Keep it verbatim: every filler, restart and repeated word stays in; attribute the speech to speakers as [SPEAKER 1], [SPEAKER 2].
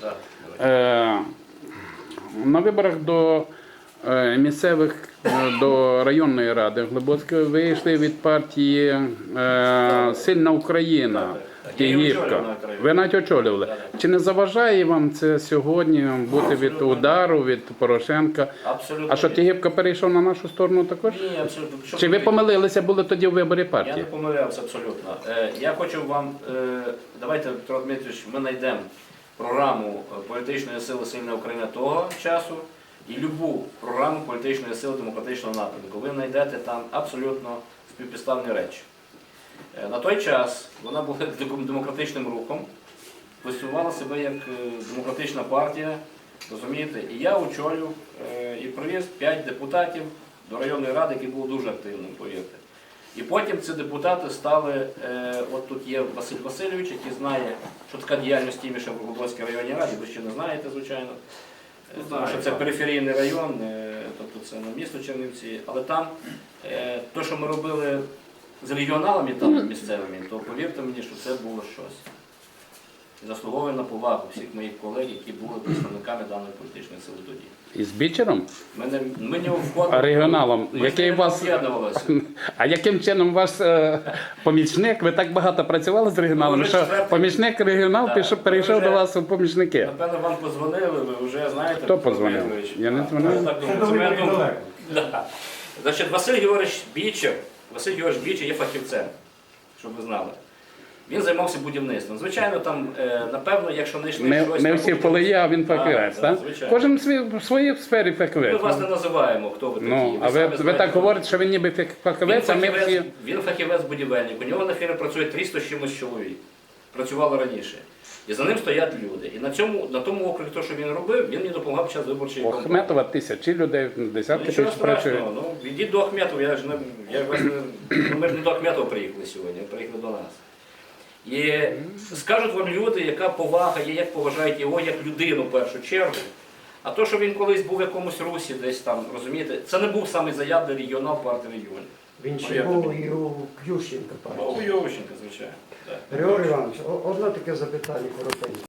[SPEAKER 1] Е, на виборах до е, місцевих, е, до районної ради Глибоцької вийшли від партії е, Сильна Україна. Тігівка. Ви навіть очолювали. Чи не заважає вам це сьогодні бути від удару, від Порошенка?
[SPEAKER 2] Абсолютно.
[SPEAKER 1] А що, Тігівка перейшов на нашу сторону також?
[SPEAKER 2] Ні, абсолютно. Що
[SPEAKER 1] Чи ви помилилися були тоді в виборі
[SPEAKER 2] Я не
[SPEAKER 1] партії?
[SPEAKER 2] помилявся абсолютно. Е, Я хочу вам, е, давайте, Петро Дмитрович, ми знайдемо програму політичної сили Сильна Україна того часу і любу програму політичної сили демократичного напрямку. Ви знайдете там абсолютно співпідставні речі. Е, На той час вона була демократичним рухом, позиціонувала себе як е, демократична партія, розумієте? І я очолював е, і привіз п'ять депутатів до районної ради, які були дуже активним, повірте. І потім ці депутати стали, е, от тут є Василь Васильович, який знає, що така діяльність Тіміша в Глибоцькій районній раді, ви ще не знаєте, звичайно. Е, Тому що це периферійний район, е, тобто це на місто Чернівці, але там е, те, що ми робили з регіоналами там місцевими, то повірте мені, що це було щось. І заслуговує на повагу всіх моїх колег, які були представниками даної політичної сили тоді.
[SPEAKER 1] І з Бічером?
[SPEAKER 2] Ми не, ми не входили,
[SPEAKER 1] А регіоналом?
[SPEAKER 2] ми
[SPEAKER 1] Який
[SPEAKER 2] не
[SPEAKER 1] у вас...
[SPEAKER 2] об'єднувалися.
[SPEAKER 1] А яким чином ваш е, помічник, ви так багато працювали з регіоналом,
[SPEAKER 2] Ну, вже
[SPEAKER 1] що
[SPEAKER 2] четвертий.
[SPEAKER 1] помічник регіонал
[SPEAKER 2] Так,
[SPEAKER 1] пішов,
[SPEAKER 2] ви
[SPEAKER 1] перейшов
[SPEAKER 2] вже-
[SPEAKER 1] до вас у помічники?
[SPEAKER 2] Напевно, вам подзвонили, ви вже знаєте.
[SPEAKER 1] Хто
[SPEAKER 2] Петро
[SPEAKER 1] подзвонив?
[SPEAKER 2] Дмитрович.
[SPEAKER 1] Я не
[SPEAKER 2] Так,
[SPEAKER 1] дзвонив.
[SPEAKER 2] я так думаю, це моя думка. Да. Значить, Василь Георгійович Бічер, Василь Георгійович Бічер є фахівцем, щоб ви знали. Він займався будівництвом. Звичайно, там, е, напевно, якщо не йшли
[SPEAKER 1] Не,
[SPEAKER 2] щось...
[SPEAKER 1] не
[SPEAKER 2] на
[SPEAKER 1] всі
[SPEAKER 2] будівництво-
[SPEAKER 1] полеє, а він
[SPEAKER 2] Так,
[SPEAKER 1] фахівець,
[SPEAKER 2] так,
[SPEAKER 1] так?
[SPEAKER 2] звичайно.
[SPEAKER 1] Кожен в свій- в своїй сфері
[SPEAKER 2] Ми
[SPEAKER 1] фахівець.
[SPEAKER 2] вас не називаємо, хто ви такі.
[SPEAKER 1] Ну, а ви,
[SPEAKER 2] самі
[SPEAKER 1] ви
[SPEAKER 2] знаєте,
[SPEAKER 1] так
[SPEAKER 2] хто
[SPEAKER 1] говорите,
[SPEAKER 2] ви.
[SPEAKER 1] що він ніби
[SPEAKER 2] Він
[SPEAKER 1] фахівець, а ми
[SPEAKER 2] фахівець,
[SPEAKER 1] всі...
[SPEAKER 2] він фахівець-будівельник. У нього на фірмі працює триста з чимось чоловік. Працювало раніше. І за ним стоять люди. І на, цьому, на тому окрузі, то, що він робив, він мені допомагав під час виборчої
[SPEAKER 1] У
[SPEAKER 2] кампанії.
[SPEAKER 1] Ахметова тисячі людей,
[SPEAKER 2] Ну,
[SPEAKER 1] десятки
[SPEAKER 2] нічого
[SPEAKER 1] тисяч працюють.
[SPEAKER 2] страшного. Ну, йдіть до Ахметова, я ж не, я вас не, ну, ми ж не до Ахметова приїхали сьогодні, а приїхали до нас. І скажуть вам люди, яка повага є, як поважають його як людину в першу чергу. А то, що він колись був в якомусь русі, десь там, розумієте, це не був самий заявний регіонал партії регіонів.
[SPEAKER 3] Він
[SPEAKER 2] Ну,
[SPEAKER 3] ще
[SPEAKER 2] як
[SPEAKER 3] був
[SPEAKER 2] тобі?
[SPEAKER 3] і у Ющенка
[SPEAKER 2] О,
[SPEAKER 3] партії.
[SPEAKER 2] у Йовченка, звичайно. Так.
[SPEAKER 3] Григорій Іванович, о- одне таке запитання коротеньке.